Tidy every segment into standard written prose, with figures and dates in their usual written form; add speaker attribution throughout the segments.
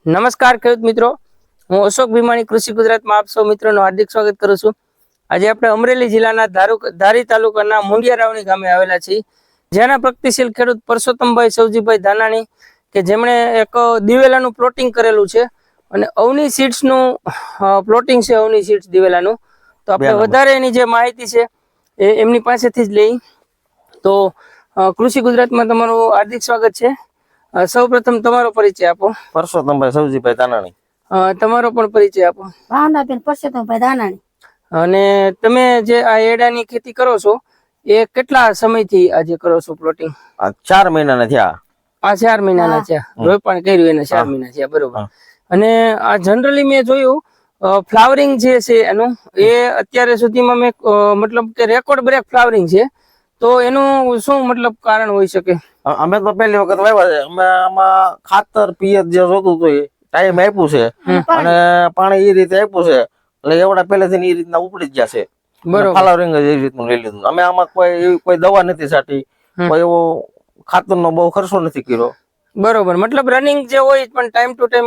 Speaker 1: નમસ્કાર ખેડૂત મિત્રો, હું અશોક ભીમાણી કૃષિ ગુજરાતમાં આપ સૌ મિત્રોનું હાર્દિક સ્વાગત કરું છું। આજે આપણે અમરેલી જિલ્લાના ધારી તાલુકાના મુંડિયારાવણી ગામે આવેલા છીએ, જેના પ્રગતિશીલ ખેડૂત પરસોત્તમભાઈ સવજીભાઈ ધાનાણી કે જેમણે એક દિવેલાનું પ્લોટિંગ કરેલું છે અને અવની સીડ્સનું પ્લોટિંગ છે, અવની સીડ્સ દિવેલાનું। તો આપણે વધારે એની જે માહિતી છે એ એમની પાસેથી જ લઈ। તો કૃષિ ગુજરાતમાં તમારું હાર્દિક સ્વાગત છે। સૌપ્રથમ તમારો પરિચય આપો।
Speaker 2: પરસોત્તમભાઈ સવજીભાઈ ધાનાણી।
Speaker 1: તમારો પણ પરિચય આપો।
Speaker 3: ભાવનાબેન પરસોત્તમભાઈ ધાનાણી।
Speaker 1: અને તમે જે આ એડાની ખેતી કરો છો એ કેટલા સમયથી આજે કરો છો પ્લોટિંગ?
Speaker 2: 4 મહિનાના થયા।
Speaker 1: આ 4 મહિનાના છે, રોપણ કર્યું એને 4 મહિના થયા, બરોબર। અને આ જનરલી મેં જોયું ફ્લાવરિંગ જે છે એનું એ અત્યારે સુધીમાં મેં મતલબ કે રેકોર્ડ બ્રેક ફ્લાવરિંગ છે, તો એનું શું મતલબ કારણ હોઈ શકે?
Speaker 2: અમે તો પહેલી વખત વાવ્યા છે, અમે આમાં ખાતર પિયત જે જોતું હતું એ ટાઈમ આપ્યું છે અને પાણી એ રીતે આપ્યું છે, એટલે એવડા પહેલેથી એ રીતના ઉપડી જ ગયા છે। બરોબર, ફ્લાવરિંગ જ એ રીતનું લઈ લીધું। અમે આમાં કોઈ દવા નથી છાંટી, કોઈ એવો ખાતરનો બહુ ખર્ચો નથી કર્યો।
Speaker 1: બરોબર, મતલબ રનિંગ જે હોય પણ ટાઈમ ટુ ટાઈમ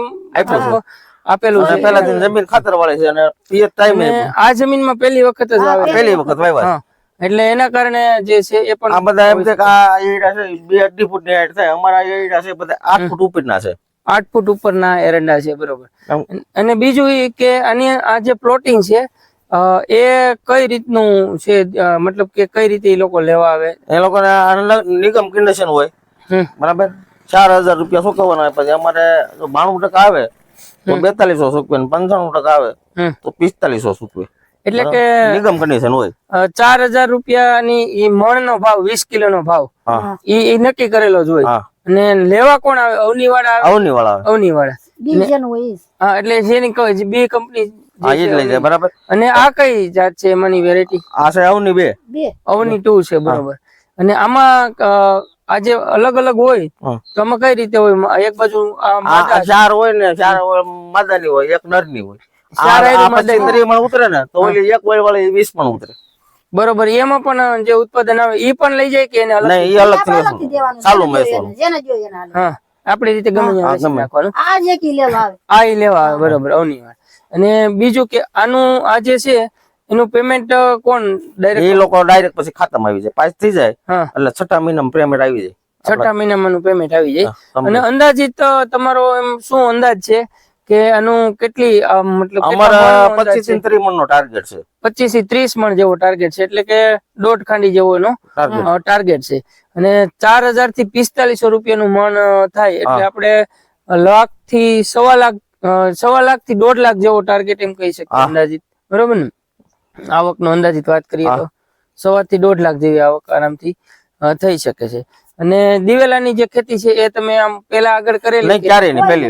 Speaker 1: આપેલું છે।
Speaker 2: પહેલાથી જમીન ખાતર વાળી છે અને પિયત ટાઈમ
Speaker 1: આ જમીનમાં પહેલી વખત જ
Speaker 2: પહેલી વખત વાવ્યા,
Speaker 1: એટલે એના કારણે જે છે એ પણ
Speaker 2: આ બધા એમ છે કે આ એરંડા છે 2-2.5 ફૂટ ની હાઈટ થાય, અમારા એરંડા છે બધા 8 ફૂટ ઉપરના છે।
Speaker 1: 8 ફૂટ ઉપરના એરંડા છે, બરોબર। અને બીજું એ કે આની આ જે પ્લોટિંગ છે એ કઈ રીતનું છે, મતલબ કે કઈ રીતે એ લોકો લેવા આવે?
Speaker 2: એ લોકોને નિગમ કન્ડિશન હોય, બરાબર। 4000 રૂપિયા ચૂકવવાના, પછી અમારે 92% આવે તો 4200 ચૂકવે, 95% આવે તો 4500 ચૂકવે,
Speaker 1: એટલે કે
Speaker 2: નિગમ કન્ડિશન હોય।
Speaker 1: 4000 રૂપિયાની ઈ મણનો ભાવ, 20 કિલોનો ભાવ ઈ નક્કી કરેલો જ હોય। અને લેવા કોણ આવે? અવની વાળા આવે। અવની વાળા હા, એટલે જેની કહે બે કંપની
Speaker 2: બરાબર।
Speaker 1: અને આ કઈ જાત છે એમાંની વેરાયટી?
Speaker 2: આ છે અવની 2,
Speaker 1: અવની 2 છે, બરોબર। અને આમાં આ જે અલગ અલગ હોય તો આમાં કઈ રીતે હોય? એક બાજુ
Speaker 2: 4 હોય ને 4 માદાની હોય, 1 નરની હોય। ઉતરે ને તો ઓલી 1 વય વાળી 20 પણ ઉતરે,
Speaker 1: બરોબર। એમાં પણ જે ઉત્પાદન આવે એ પણ લઈ જાય કે એને અલગ?
Speaker 2: નહીં, એ અલગ ચાલુ મહેસૂલ,
Speaker 1: હા, આપણી રીતે ગમે નાખવાનું,
Speaker 3: આ જે કી લેવા આવે,
Speaker 1: આ ઈ લેવા આવે, બરોબર, અવની વાત। અને બીજું કે આનું આ જે છે એનું પેમેન્ટ કોણ ડાયરેક્ટ?
Speaker 2: એ લોકો ડાયરેક્ટ પછી ખાતામાં આવી જાય, પાસ થઈ જાય એટલે 6ઠા મહિનામાં પેમેન્ટ આવી જાય।
Speaker 1: 6ઠા મહિનામાં પેમેન્ટ આવી જાય। અને અંદાજિત તમારો એમ શું અંદાજ છે કે આનું કેટલી મતલબ
Speaker 2: અમારા 25 થી 30 મણનો ટાર્ગેટ છે।
Speaker 1: 25 થી 30 મણ જેવો ટાર્ગેટ છે, એટલે કે 1.5 ખાંડી જેવો એનો ટાર્ગેટ છે। અને 4000 થી 4500 રૂપિયાનું મણ થાય, એટલે આપણે લાખ થી 1.25 લાખ, 1.25 લાખ થી 1.5 લાખ જેવો ટાર્ગેટ એમ કહી શકીએ અંદાજિત, બરોબર ને? આવકનો અંદાજિત વાત કરીએ તો 1.25 થી 1.5 લાખ જેવી આવક આરામથી થઈ શકે છે। અને દિવેલાની જે ખેતી છે એ તમે આમ પેલા આગળ કરેલી?
Speaker 2: નહીં, ક્યારે નહીં, પહેલા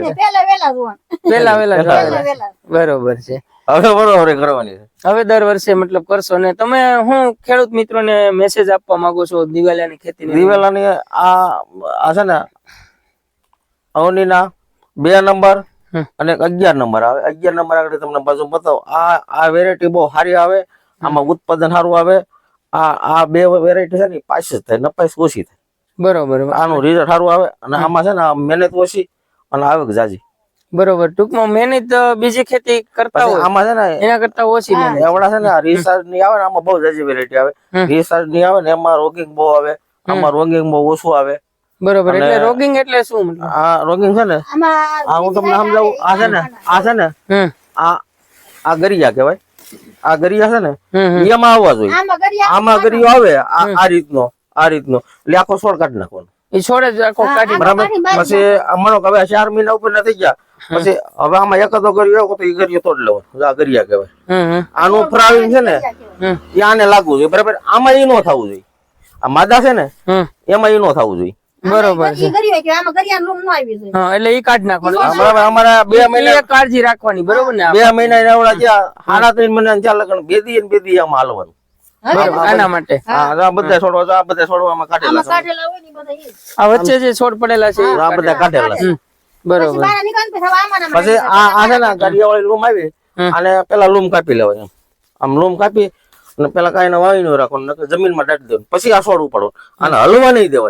Speaker 1: બરોબર છે।
Speaker 2: હવે બરોબર કરવાની છે,
Speaker 1: હવે દર વર્ષે મતલબ કરશો ને? તમે હું ખેડૂત મિત્રોને મેસેજ આપવા માંગો છો દિવેલાની ખેતી?
Speaker 2: દિવેલાની આ છે ને અવનીના 2 નંબર અને 11 નંબર આવે। 11 નંબર આગળ તમને બાજુ બતાવો, આ વેરાયટી બહુ સારી આવે, આમાં ઉત્પાદન સારું આવે। આ 2 વેરાયટી છે ને પાસ જ થાય, નપાસ ઓછી થાય,
Speaker 1: બરોબર।
Speaker 2: આનું રિઝલ્ટ સારું આવે અને આમાં છે ને મહેનત ઓછી અને આવક જાજી,
Speaker 1: બરોબર। ટૂંકમાં મહેનત બીજી ખેતી કરતા હોય
Speaker 2: આમાં છે ને
Speaker 1: એના કરતા ઓછી મહેનત।
Speaker 2: એવડા છે ને રિસર્ચ ની આવે ને આમાં બહુ જાજી વેરાયટી આવે, રિસર્ચ ની આવે ને એમાં રોગિંગ બહુ આવે, આમાં રોગિંગ બહુ ઓછું આવે,
Speaker 1: બરોબર। એટલે રોગિંગ એટલે શું મતલબ?
Speaker 2: આ રોગિંગ છે ને હું તમને સમજાવું, આ છે ને આ ગરિયા કહેવાય, આ ગરિયા છે ને એમાં આવવા જોઈએ, આમાં ગરિયો આવે આ રીતનો એટલે આખો છોડ કાઢી નાખવાનો,
Speaker 1: એ છોડ જ આખો કાઢી,
Speaker 2: બરાબર। પછી અમારો હવે 4 મહિના ઉપર ના થઈ ગયા, પછી હવે આમાં એકાદો ગરિયો તો એ ગરિયો તોડ લેવાનો, આ ગરિયા કહેવાય। આનું ફ્રાવિંગ છે ને એ આને લાગવું જોઈએ, બરાબર। આમાં એ ન થવું જોઈએ, આ માદા છે ને એમાં એ ન થવું જોઈએ,
Speaker 1: બરોબર છે। એટલે ઈ કાઢી નાખવાનું,
Speaker 2: અમારા 2 મહિના
Speaker 1: કાળજી રાખવાની, બરોબર ને?
Speaker 2: 2 મહિના એવડા થયા, 3.5 મહિના 4 લગન 2 દી આમાં હાલવાનું,
Speaker 1: આના માટે
Speaker 2: બધા છોડવામાં કાઢેલા,
Speaker 1: આ વચ્ચે જે છોડ પડેલા છે
Speaker 2: આ બધા કાઢેલા,
Speaker 1: બરોબર।
Speaker 2: પછી આ છે ને ગરિયા વાળી લૂમ આવી, અને પેલા લૂમ કાપી લેવાય, આમ લૂમ કાપી અને પેલા કાંઈ વાવી ન રાખવાનું, જમીનમાં દાટી દેવાનું, પછી આ છોડ ઉપાડો, અને હલવા નહીં દેવાની।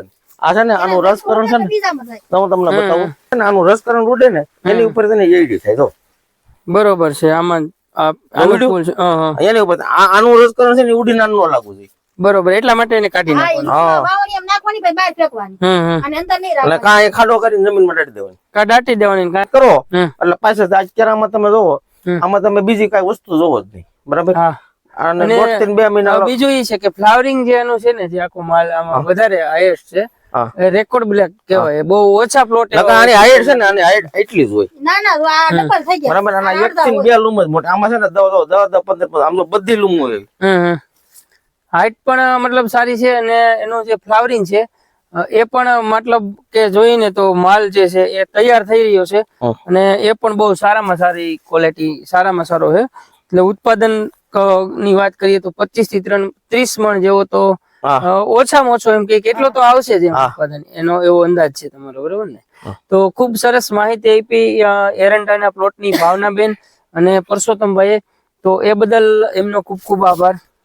Speaker 2: આ છે ને આનું રસકરણ છે ને
Speaker 3: બીજામાં થાય.
Speaker 2: તો હું તમને બતાવું છે ને આનું રસકરણ ઉડે ને એની ઉપર તેને એડી થાય તો
Speaker 1: બરોબર છે આમાં આનું ફૂલ છે
Speaker 2: એની ઉપર આનું રસકરણ છે ને ઉડીને આનું ન લાગવું જોઈએ
Speaker 1: બરોબર એટલા માટે એને કાઢી
Speaker 3: હા, એ
Speaker 1: નાખવાનું
Speaker 3: વાવણી એમ નાખવાની પછી બહાર ફેંકવાની અને અંદર નહીં
Speaker 2: એટલે
Speaker 3: રાખવાની.
Speaker 2: કાંઈ ખાડો કરીને જમીનમાં દાટી દેવાની
Speaker 1: કા દાટી દેવાની કા
Speaker 2: કરો
Speaker 1: હમ.
Speaker 2: એટલે પાછળ અત્યારે આમાં તમે જોવો
Speaker 1: હમ.
Speaker 2: આમાં તમે બીજી કઈ વસ્તુ જોવો જ નહીં બરાબર
Speaker 1: હા
Speaker 2: અને
Speaker 1: અને
Speaker 2: 2 થી 2 મહિના
Speaker 1: બીજું એ છે કે ફ્લાવરિંગ જે એનું છે ને જે આખો માલ આમાં વધારે હાઈએસ્ટ છે
Speaker 2: હા.
Speaker 1: રેકોર્ડ બ્લેક કહેવાય બહુ ઓછા પ્લોટ
Speaker 2: આની હાઈટ છે ને આની હાઈટ એટલી જ હોય
Speaker 3: ના ના આ ડબલ થઈ ગયા.
Speaker 2: બરાબર આના 1 થી 2 લૂમ જ મોટા આમાં છે ને 10 15 આમ તો બધી લૂમ હોય
Speaker 1: હાઈટ પણ મતલબ સારી છે અને એનું જે ફ્લાવરિંગ છે એ પણ મતલબ કે જોઈને તો માલ જે છે એ તૈયાર થઈ રહ્યો છે અને એ પણ બહુ સારામાં સારી ક્વોલિટી સારામાં સારો છે એટલે ઉત્પાદન ની વાત કરીએ તો 25 થી 30 મણ જેવો તો ઓછામાં ઓછો એમ કે કેટલો તો આવશે જ એમ ઉત્પાદન એનો એવો અંદાજ છે તમારો બરોબર ને તો ખૂબ સરસ માહિતી આપી એરંડાના પ્લોટની ભાવનાબેન અને પરસોત્તમભાઈએ તો એ બદલ એમનો ખૂબ ખૂબ આભાર